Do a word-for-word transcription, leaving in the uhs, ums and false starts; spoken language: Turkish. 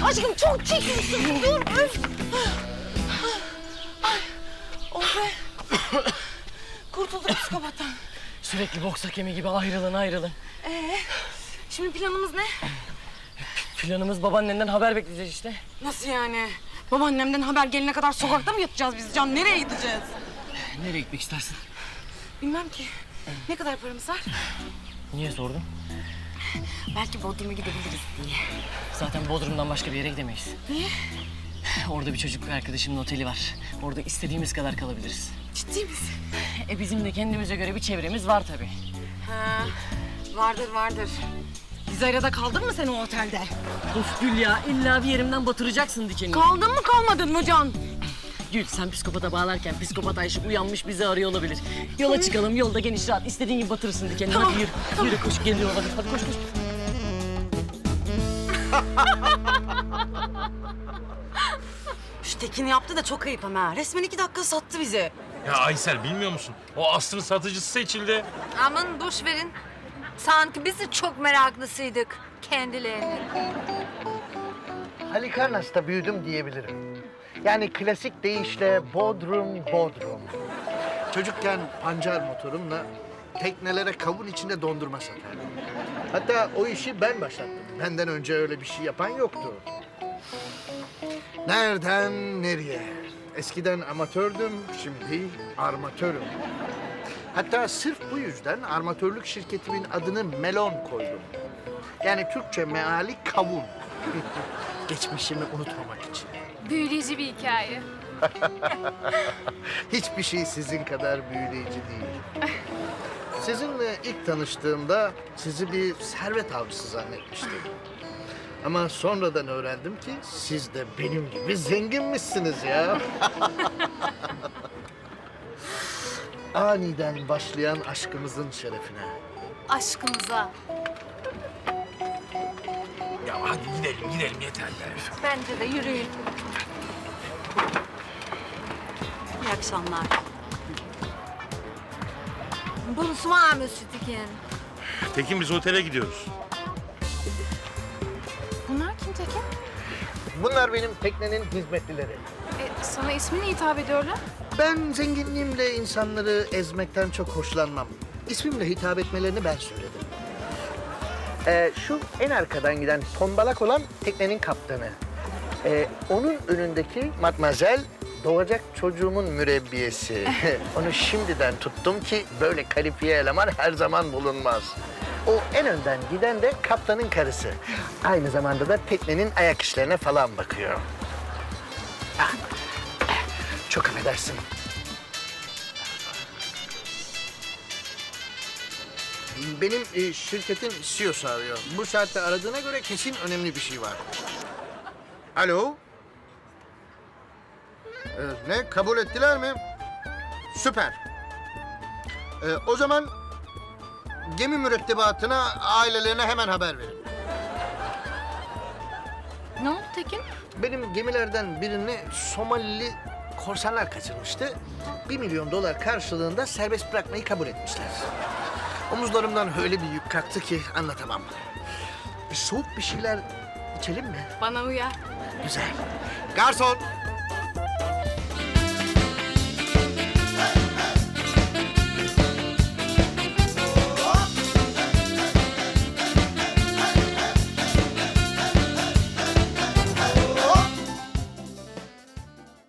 Aşkım çok çekiyorsun. Dur öf. Ay. Oh be. Kurtulduk psikopattan. Sürekli boks hakemi gibi ayrılın ayrılın. Ee, şimdi planımız ne? Planımız babaannenden haber bekleyeceğiz işte. Nasıl yani? Babaannemden haber gelene kadar sokakta mı yatacağız biz Can? Nereye gideceğiz? Nereye gitmek istersin? Bilmem ki. Ne kadar paramız var? Niye sordun? Belki Bodrum'a gidebiliriz diye. Zaten Bodrum'dan başka bir yere gidemeyiz. Niye? Orada bir çocukluk arkadaşımın oteli var. Orada istediğimiz kadar kalabiliriz. Ciddi misin? E bizim de kendimize göre bir çevremiz var tabii. Ha, vardır vardır. Gizay'la kaldın mı sen o otelde? Of Gül ya, illa bir yerimden batıracaksın dikenini. Kaldın mı kalmadın mı Can? Gül, sen psikopata bağlarken psikopat Ayşe uyanmış bizi arıyor olabilir. Yola çıkalım, yolda geniş rahat. İstediğin gibi batırırsın dikenini. Tamam, Hadi yürü, tamam. yürü koş, geliyor olabilir. Hadi koş koş. Şu Tekin yaptı da çok ayıp ama. Resmen iki dakika sattı bizi. Ya Aysel bilmiyor musun? O Aslı'nın satıcısı seçildi. Aman boş verin. Sanki biz de çok meraklısıydık kendilerine. Halikarnas'ta büyüdüm diyebilirim. Yani klasik deyişle Bodrum, Bodrum. Çocukken pancar motorumla teknelere kavun içinde dondurma satardım. Hatta o işi ben başlattım. Benden önce öyle bir şey yapan yoktu. Nereden nereye? Eskiden amatördüm, şimdi armatörüm. Hatta sırf bu yüzden armatörlük şirketimin adını Melon koydum. Yani Türkçe meali kavun. Geçmişimi unutmamak için. Büyüleyici bir hikaye. Hiçbir şey sizin kadar büyüleyici değil. Sizinle ilk tanıştığımda sizi bir servet avcısı zannetmiştim. Ama sonradan öğrendim ki siz de benim gibi zenginmişsiniz ya. Aniden başlayan aşkımızın şerefine. Aşkımıza. Ya hadi gidelim gidelim yeter be. Bence de yürüyün. İyi akşamlar. Bonsoir Monsieur Tekin. Tekin biz otele gidiyoruz. Bunlar kim Tekin? Bunlar benim teknenin hizmetlileri. E, sana isminle hitap ediyorlar. Ben zenginliğimle insanları ezmekten çok hoşlanmam. İsmimle hitap etmelerini ben söyledim. Ee, şu en arkadan giden tombalak olan teknenin kaptanı. Ee, onun önündeki matmazel doğacak çocuğumun mürebbiyesi. Onu şimdiden tuttum ki böyle kalifiye eleman her zaman bulunmaz. O en önden giden de kaptanın karısı. Aynı zamanda da teknenin ayak işlerine falan bakıyor. Ah, çok affedersin. Benim e, şirketin C E O'su arıyor. Bu saatte aradığına göre kesin önemli bir şey var. Alo? Ee, ne? Kabul ettiler mi? Süper. Ee, o zaman gemi mürettebatına, ailelerine hemen haber verin. Ne oldu Tekin? Benim gemilerden birini Somalili korsanlar kaçırmıştı. Bir milyon dolar karşılığında serbest bırakmayı kabul etmişler. Omuzlarımdan öyle bir yük kalktı ki anlatamam. Bir soğuk bir şeyler içelim mi? Bana uyar. Güzel. Garson!